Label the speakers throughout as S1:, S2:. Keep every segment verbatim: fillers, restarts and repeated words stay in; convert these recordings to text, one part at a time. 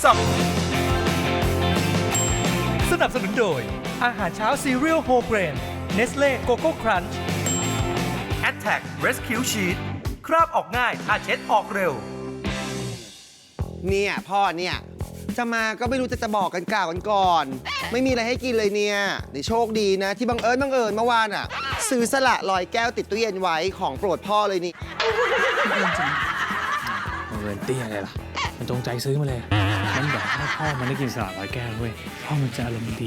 S1: สับสนับสนุนโดยอาหารเช้าซีเรียลโฮเกรนเนสเล่โกโก้ครันช์ Attack Rescue Sheet คราบออกง่ายถ้าเช็ดออกเร็ว
S2: เนี่ยพ่อเนี่ยจะมาก็ไม่รู้จะจะบอกกันกล่าวกันก่อน ไม่มีอะไรให้กินเลยเนี่ยในโชคดีนะ ที่บังเอิญบังเอิญเมื่อวานอ่ะ ซื้อสละลอยแก้วติดตู้เย็นไว้ของโปรดพ่อเลยนี่
S3: เงินเตี้ยอะไรล่ะ มันจงใจซื้อมาเลยมันแบบให้พ่อมันได้กินสลัดร้อยแก้วเว้ยพ่อมันจะอารมณ์ดี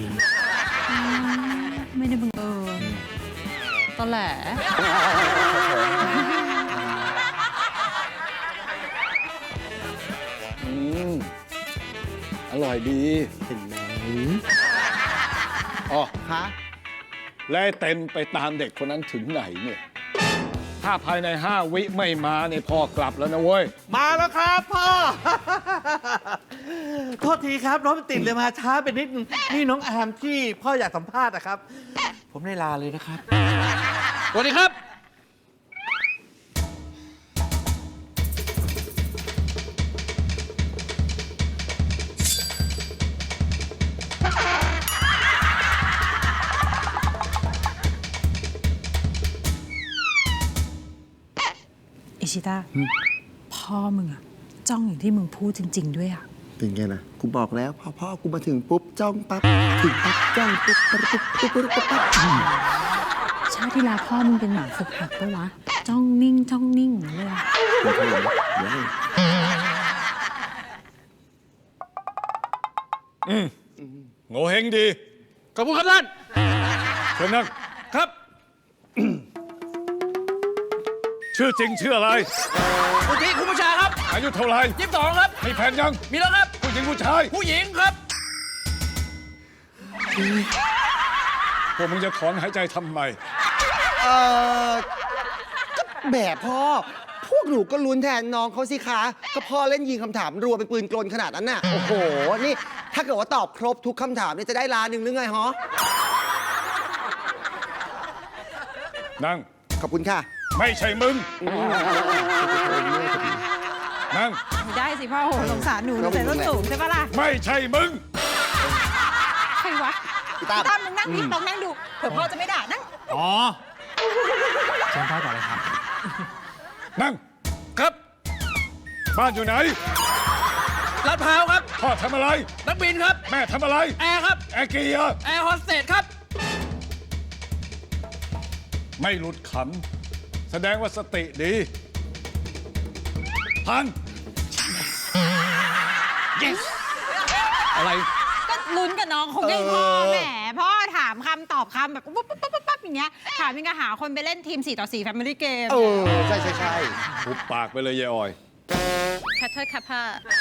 S4: ไม่ได้บังเอิญตอนแหล
S5: อืมอร่อยดีเห็นไหมอ๋อ
S2: คะ
S5: แล้วไอ้เต็มไปตามเด็กคนนั้นถึงไหนเนี่ย ถ้าภายในห้าวิไม่มาเนี่ยพ่อกลับแล้วนะเว้ย
S6: มาแล้วครับพ่อ โทษทีครับรถมันติดเลยมาช้าไปนิดนึงนี่น้องอาร์มที่พ่ออยากสัมภาษณ์นะครับ ผมได้ลาเลยนะครับ
S3: สวัสดีครับ
S4: อิชิตาพ่อมึงอะจ้องอย่างที่มึงพูดจริง ๆ ด้วยอะ
S2: เป็นไงนะกูบอกแล้วพอพ่อกูมาถึงปุ๊บจ้องปั๊บถึงปั๊บจ้องปุ๊บปุ๊บปุ๊บปุ๊บปุ๊บปุ๊บปั๊บ
S4: ชาติที่แล้วพ่อมึงเป็นหมาฝึกหัดปะวะ จ้องนิ่งจ้องนิ่งอย่างนั้นเลยอะ
S5: อืมโง่เฮงดี
S3: ขอบคุณครับท่าน
S5: เชิญนั่ง
S3: ครับ
S5: ชื่อจริงชื่ออะไร
S3: สุทธิคุณผู้ชายครับ
S5: อายุเท่าไหร่
S3: ยี่สิบสองครับ
S5: มีแฟนยัง
S3: มีแล้วครับ
S5: ผู้หญิงผู้ชาย
S3: ผู้หญิงครับ
S5: พวกมึงจะถอนหายใจทำไม
S2: เออก็แบบพ่อ พวกหนูก็ลุ้นแทนน้องเขาสิคะ ก็พ่อเล่นยิงคำถามรัวเป็นปืนกลขนาดนั้นน่ะ โอ้โห นี่ถ้าเกิดว่าตอบครบทุกคำถามเนี่ยจะได้ล้านหนึ่งหรือไงฮะ
S5: นั่ง
S2: ขอบคุณค่ะ
S5: ไม่ใช่มึง นั่ง
S4: ไม่ได้สิพ่อโหสงสารหนูหนูใส่ส้นสูงใช่ปะล่ะ
S5: ไม่ใช่มึง
S4: ใครวะ
S2: พี่ตั้ม
S4: พี่ตั้มมึงนั่งนี่ลองนั่งดูเผื่อพ่อจะไม่ด่านั่ง
S3: อ๋อเชิญพ่อต่อเลยครับ
S5: นั่ง
S3: ครับ
S5: บ้านอยู่ไหน
S3: ลาดพร้าวครับ
S5: พ่อทำอะไร
S3: นักบินครับ
S5: แม่ทำอะไร
S3: แอร์ครับ
S5: แอร์เกียร์
S3: แอร์โฮสเตสครับ
S5: ไม่หลุดขำ แสดงว่าสติดี พัน
S3: yes อะไร
S4: ก็ลุ้นกับน้องคงได้พ่อแหมพ่อถามคำตอบคำแบบปุ๊บปุ๊บปุ๊บปุ๊บอย่างเงี้ยถามยังไงหาคนไปเล่นทีมสี่ต่อสี่ Family Game
S2: เออ ใช่ใช่ใช่
S5: หุบปากไปเลยยายออย
S4: แคทเธอร์คัพพ่อ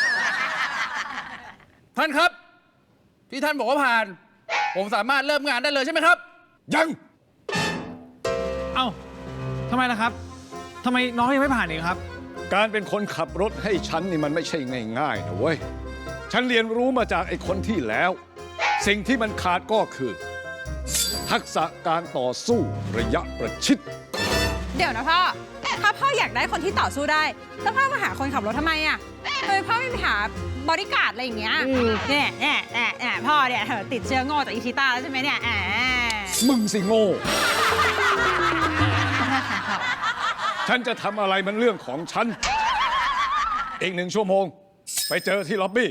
S3: ท่านครับ ที่ท่านบอกว่าผ่าน ผมสามารถเริ่มงานได้เลยใช่ไหมครับ
S5: ยัง
S3: เอ้าทำไมล่ะครับทำไมน้องยังไม่ผ่านอีกครับ
S5: การเป็นคนขับรถให้ฉันนี่มันไม่ใช่ง่ายๆนะเว้ย ฉันเรียนรู้มาจากไอ้คนที่แล้ว สิ่งที่มันขาดก็คือ ทักษะการต่อสู้ระยะประชิด
S4: เดี๋ยวนะพ่อ ถ้าพ่ออยากได้คนที่ต่อสู้ได้ แล้วพ่อมาหาคนขับรถทำไมอ่ะเฮ้ยพ่อไม่ไปหาบริการดอะไรอย่างเงี้ยเนี่ยเนี่ยเนี่ยเนี่ยพ่อเนี่ยเธอติดเชื้อโง่จากอิชิต้าแล้วใช่ไหมเนี่ยแหม
S5: มึงสิโง่
S4: ขอโทษค่ะพ่อ
S5: ฉันจะทำอะไรมันเรื่องของฉัน อีกหนึ่งชั่วโมง ไปเจอที่ล็อบบี้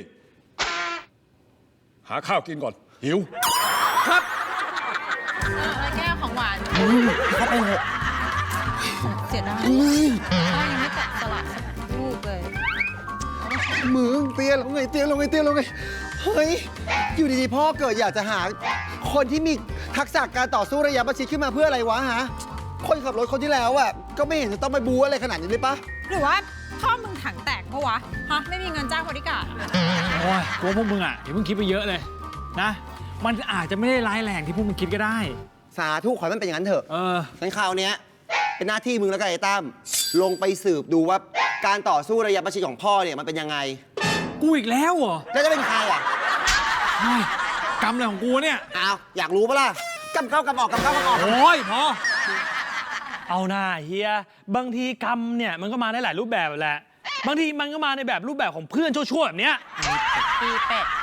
S5: หาข้าวกินก่อน หิว
S3: ครับ
S4: แล้วแก้วของหวาน
S2: เข้าไปเถอะ
S4: เสียดายพ่อยังไม่แตะสลัดสักลูกเลย
S2: มึงเตี้ยลงไงเตี้ยลงไงเตี้ยลงไงเฮ้ย อยู่ดีๆพ่อเกิดอยากจะหา คนที่มีทักษะการต่อสู้ระยะประชิดขึ้นมาเพื่ออะไรวะฮะ คนขับรถคนที่แล้วอ่ะก็ไม่เห็นจะต้องไปบูอะไรขนาดนี้เลยปะ
S4: หรือว่าพ่อมึงถังแตกเพราะวะฮะไม่มีเงินจ้างบริการดอะ
S3: โอ้ยกลัวพวกมึงอ่ะอย่าเพิ่งคิดไปเยอะเลยนะ มันอาจจะไม่ได้ร้ายแรงที่พวกมึงคิดก็ได้
S2: สาธุขอให้มันเป็นอย่างนั้นเถอะ
S3: เออ
S2: งั้นคราวเนี้ยเป็นหน้าที่มึงแล้วกันไอ้ตั้มลงไปสืบดูว่าการต่อสู้ระยะประชิดของพ่อเนี่ยมันเป็นยังไง
S3: กูอีกแล้วเหรอ
S2: แล้วจะเป็นใครอ่ะ
S3: เฮ้ยกรรมอะไรของกูเนี่ย
S2: อ้าวอยากรู้ปะล่ะกำเข้ากำออกกำเข้ากำออก
S3: โอ้ยพอ
S7: เอาหน้าเฮียบางทีกรรมเนี่ยมันก็มาได้หลายรูปแบบแหละ บางทีมันก็มาในแบบรูปแบบของเพื่อนชั่วๆแบบเนี้ย
S3: พ
S4: ปีเป็ด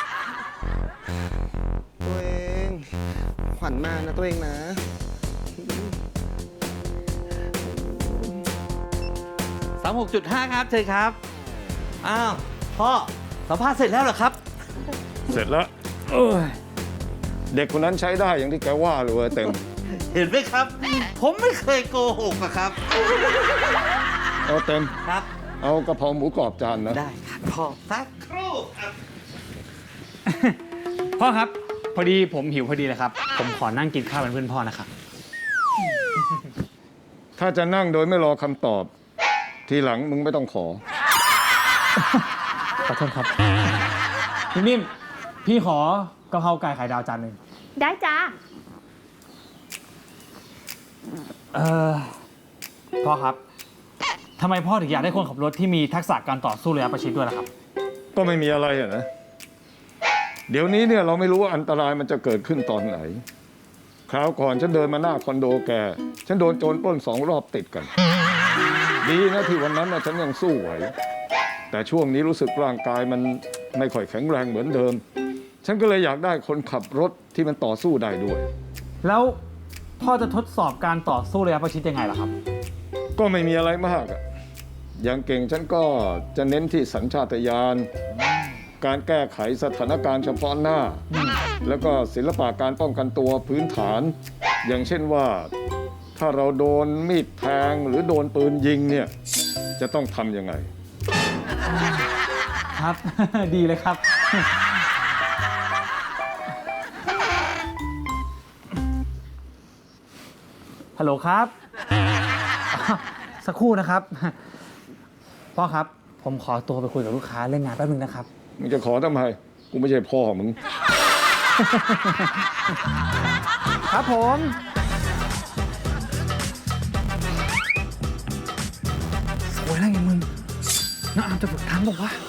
S2: ตัวเองขวัญมานะตัวเองนะ
S6: สามหกจุดห้าครับเชิญครับ อ้าว พ่อ สัมภาษณ์เสร็จแล้วเหรอครับ
S5: เสร็จแล้วเด็กคนนั้นใช้ได้อย่างที่แกว่าเลยเว้ยเต็ม
S6: เห็นไหมครับ ผมไม่เคยโกหกอะครับ
S5: เอาเต็ม
S6: ครับ
S5: เอากะเพราหมูกรอบจานนะ
S6: ได้ครับพ่อสักครู่ครับ
S3: พ่อครับ พอดีผมหิวพอดีเลยครับ ผมขอนั่งกินข้าวเป็นเพื่อนพ่อนะครับ
S5: ถ้าจะนั่งโดยไม่รอคำตอบ ทีหลังมึงไม่ต้องขอ
S3: ขอโทษครับพี่นิ่มพี่ขอกะเพราไก่ไข่ดาวจานหนึ่ง
S8: ได้จ้า
S3: เออพ่อครับทำไมพ่อถึงอยากได้คนขับรถที่มีทักษะการต่อสู้ระยะประชิดด้วยล่ะครับ
S5: ก็ไม่มีอะไรอะนะ เดี๋ยวนี้เนี่ยเราไม่รู้ว่าอันตรายมันจะเกิดขึ้นตอนไหน คราวก่อนฉันเดินมาหน้าคอนโดแก ฉันโดนโจรปล้นสองรอบติดกัน ดีนะที่วันนั้นนะฉันยังสู้ไหว แต่ช่วงนี้รู้สึกร่างกายมันไม่ค่อยแข็งแรงเหมือนเดิม ฉันก็เลยอยากได้คนขับรถที่มันต่อสู้ได้ด้วย
S3: แล้วพ่อจะทดสอบการต่อสู้ระยะประชิดยังไงล่ะครับ
S5: ก็ไม่มีอะไรมากอะอย่างเก่งฉันก็จะเน้นที่สัญชาตญาณ การแก้ไขสถานการณ์เฉพาะหน้า แล้วก็ศิลปะการป้องกันตัวพื้นฐาน อย่างเช่นว่า ถ้าเราโดนมีดแทงหรือโดนปืนยิงเนี่ย จะต้องทำยังไง
S3: ครับ ดีเลยครับ ฮัลโหลครับ สักครู่นะครับ พ่อครับ ผมขอตัวไปคุยกับลูกค้าเรื่องงานแป๊บนึงนะครับ
S5: มึงจะขอทำไม กูไม่ใช่พ่อมึง
S3: ครับผม สวยแล้วไงมึงน้าอามจะฝึกทำบอกว่า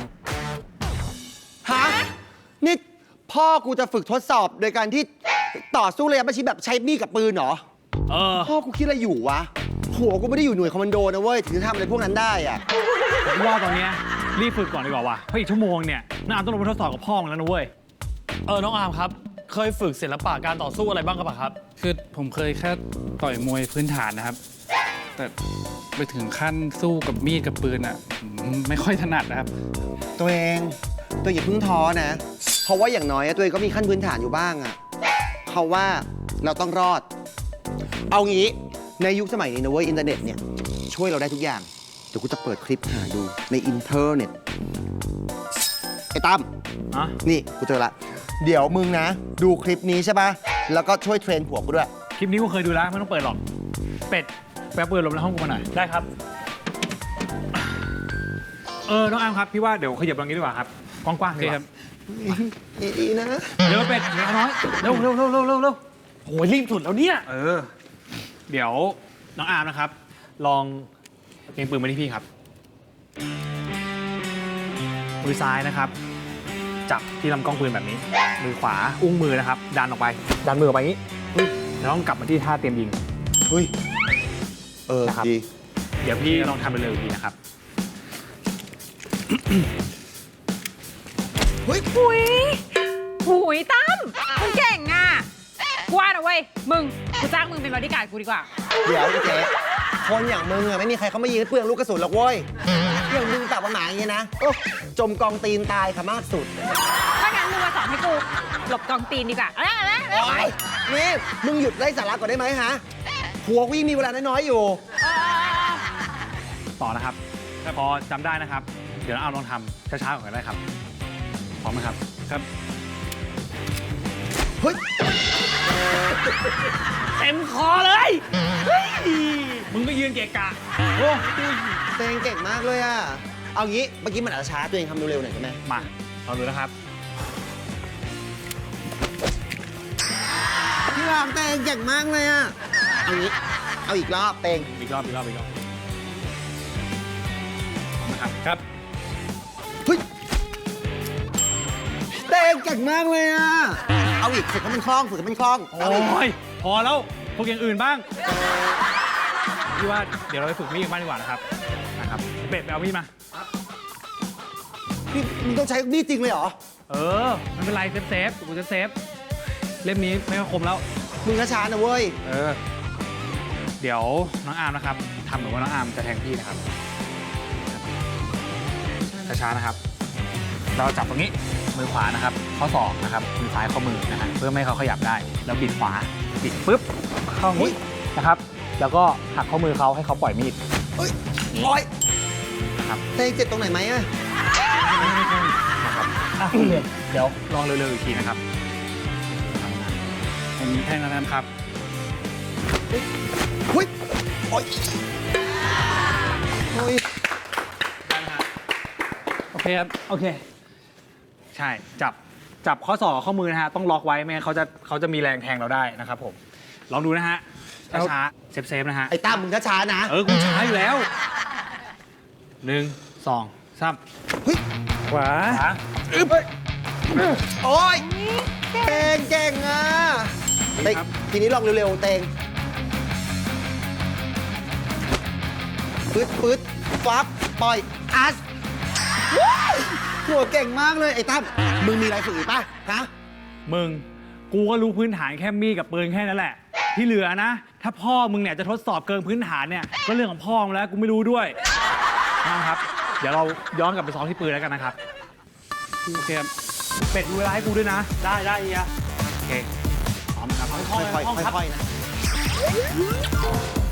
S2: ฮะ นี่พ่อกูจะฝึกทดสอบโดยการที่ต่อสู้ระยะประชิดแบบใช้มีดกับปืนเหรอ
S3: เออ
S2: พ่อกูคิดอะไรอยู่วะ หัวกูไม่ได้อยู่หน่วยคอมมานโดนะเว้ย ถึงจะทำอะไรพวกนั้นได้อะ
S3: ผมว่าตอนเนี้ยรีบฝึกก่อนดีกว่าว่ะ เพราะอีกชั่วโมงเนี่ยน้าอามต้องลงไปทดสอบกับพ่อมันแล้วนะเว้ย
S7: เออ น้องอาร์มครับ เคยฝึกศิลปะการต่อสู้อะไรบ้างครับครับ
S9: คือผมเคยแค่ต่อยมวยพื้นฐานนะครับ แต่ไปถึงขั้นสู้กับมีดกับปืนอ่ะผมไม่ค่อยถนัดนะครับ
S2: ตัวเอง ตัวอย่าเพิ่งท้อนะ เพราะว่าอย่างน้อยอะตัวเองก็มีขั้นพื้นฐานอยู่บ้างอะเขาว่าเราต้องรอด เอางี้ในยุคสมัยนี้นะเว้ยอินเทอร์เน็ตเนี่ยช่วยเราได้ทุกอย่าง เดี๋ยวกูจะเปิดคลิปหาดูในอินเทอร์เน็ต ไอ้ตั้ม
S3: อะ
S2: นี่กูเจอละ เดี๋ยวมึงนะ ดูคลิปนี้ใช่ปะแล้วก็ช่วยเทรนผัวกูด้วย
S3: คลิปนี้กูเคยดูแล้วไม่ต้องเปิดหรอก เป็ดแป๊บเปิดลมในห้องกูมาหน่อย
S7: ได้ครับ
S3: เออ น้องอามครับ พี่ว่าเดี๋ยวขยับตรงนี้ดีกว่าครับ กว้างๆดีกว่า
S2: ดีๆนะ
S3: เดี๋ยวเป็ดเดี๋ยวน้อย เร็วเร็วเร็วเร็วเร็วเร็ว
S7: โอ้ยรีบสุดแล้วเนี่ย
S3: เออ เดี๋ยวน้องอาร์มนะครับ ลองเล็งปืนมาที่พี่ครับ มือซ้ายนะครับ จับที่ลำกล้องปืนแบบนี้ มือขวาอุ้งมือนะครับ ดันออกไป ดันมือออกไปอย่างนี้แล้วต้องกลับมาที่ท่าเตรียมยิง
S2: เฮ้ย เออ
S3: นะครับ
S2: ดี
S3: เดี๋ยวพี่ลองทำไปเลยอีกทีนะครับ
S2: เฮ้ย
S4: หุยหุยตั้มมึงเก่งอ่ะกว่านะเว้ย มึง กูจ้างมึงเป็นบอดี้การ์ดกูดีกว่า
S2: เดี๋ยวเจ๊คนอย่างมึงอะไม่มีใครเขามายิงให้เปลืองลูกกระสุนหรอกเว้ยอย่างมึงตับหมาอย่างเงี้ยนะโอ้จมกองตีนตายค่ะมากสุด
S4: ถ้างั้นมึงมาสอนให้กู หลบกองตีนดีกว่าเอาละเอาละเอา
S2: โอ้
S4: ละ
S2: ยนี่มึงหยุดไล่สาระก่อนได้ไหมฮะหัวกูยังมีเวลาน้อยๆอยู่
S4: เออ
S3: ต่อนะครับพอจำได้นะครับ เดี๋ยวน้องอาร์มลองทำช้าๆก่อนก็ได้ครับ พร้อมไหมครับ ครับ
S2: เฮ้ย
S3: เต็มคอเลยเฮ้ยมึงก็ยืนเกะกะ โอ้
S2: ตัวเองเก่งมากเลยอะเอางี้เมื่อกี้มันอาจจะช้าตัวเองทำเร็วๆหน่อยใช่ไหม
S3: มาลองดูนะครับ
S2: พี่รามเตงเก่งมากเลยอะเอางี้เอาอีกรอบเตง
S3: อีกรอบ อีกรอบ อีกรอบนะครับ ครับ
S2: เฮ้ยเตงเก่งมากเลยอะเอาอีกฝึกให้มันคล่องฝึกให้มันคล่อง
S3: โอ
S2: เอาอีก
S3: ้ย พอแล้วพวกอย่างอื่นบ้าง พี่ว่าเดี๋ยวเราไปฝึกมีดกันบ้างดีกว่านะครับ นะครับ เป็ดไปเอามีดมา
S2: นี่มึงต้องใช้มีดจริงเลยเหรอ
S3: เออไม่เป็นไรเซฟเซฟกูจะเซฟเล่มนี้ไม่ค่อยคมแล้ว
S2: มึงช้าๆนะเว้ย
S3: เออ เดี๋ยวน้องอาร์มนะครับทำเหมือนว่าน้องอาร์มจะแทงพี่นะครับช้าๆนะครับ เราจับตรงนี้มือขวานะครับข้อศอกนะครับมือซ้ายข้อมือนะฮะเพื่อไม่ให้เขาขยับได้แล้วบิดขวาบิดปุ๊บเข้าอย่างนี้นะครับ แล้วก็หักข้อมือเขาให้เขาปล่อยมีด
S2: เอ้ยโอ้ย
S3: นะครับ
S2: เตงเจ็บตรงไหนไหมอะ
S3: นะครับอ่ะโอเคเดี๋ยวลองเร็วๆอีกทีนะครับทำงาน
S9: ผมแทงแล้วครับ
S2: หุ้ยโอ้ยโอ้ย
S9: โอเคครับ
S3: โอเค ใช่จับจับข้อศอกกับข้อมือนะฮะต้องล็อกไว้ไม่งั้นเขาจะเขาจะมีแรงแทงเราได้นะครับผมลองดูนะฮะช้าๆเซฟๆนะฮะ
S2: ไอ้ตั้มมึงช้าๆนะ
S3: เออ กูช้าอยู่แล้ว หนึ่ง สองสาม
S2: เฮ้ย
S3: ขวา
S2: โอ้ยเตงเก่งอ่ะเตงทีนี้ลองเร็วๆเตงปึ๊ดปึ๊ดฟับปล่อยอัสหัวเก่งมากเลยไอ้ตั้มมึงมีอะไรฝึกอีกป่ะฮะ
S3: มึง กูก็รู้พื้นฐานแค่มีดกับปืนแค่นั้นแหละ ที่เหลือนะ ถ้าพ่อมึงเนี่ยจะทดสอบเกินพื้นฐานเนี่ย ก็เรื่องของพ่อมึงแล้ว กูไม่รู้ด้วยนะครับ เดี๋ยวเราย้อนกลับไปซ้อมที่ปืนแล้วกันนะครับ
S9: โอเคครับ
S3: เป็ดดูเวลาให้กูด้วยนะ
S7: ได้ได้เฮีย
S3: โอเคพร้อมนะครับ
S2: ค่อยๆค่อยๆนะ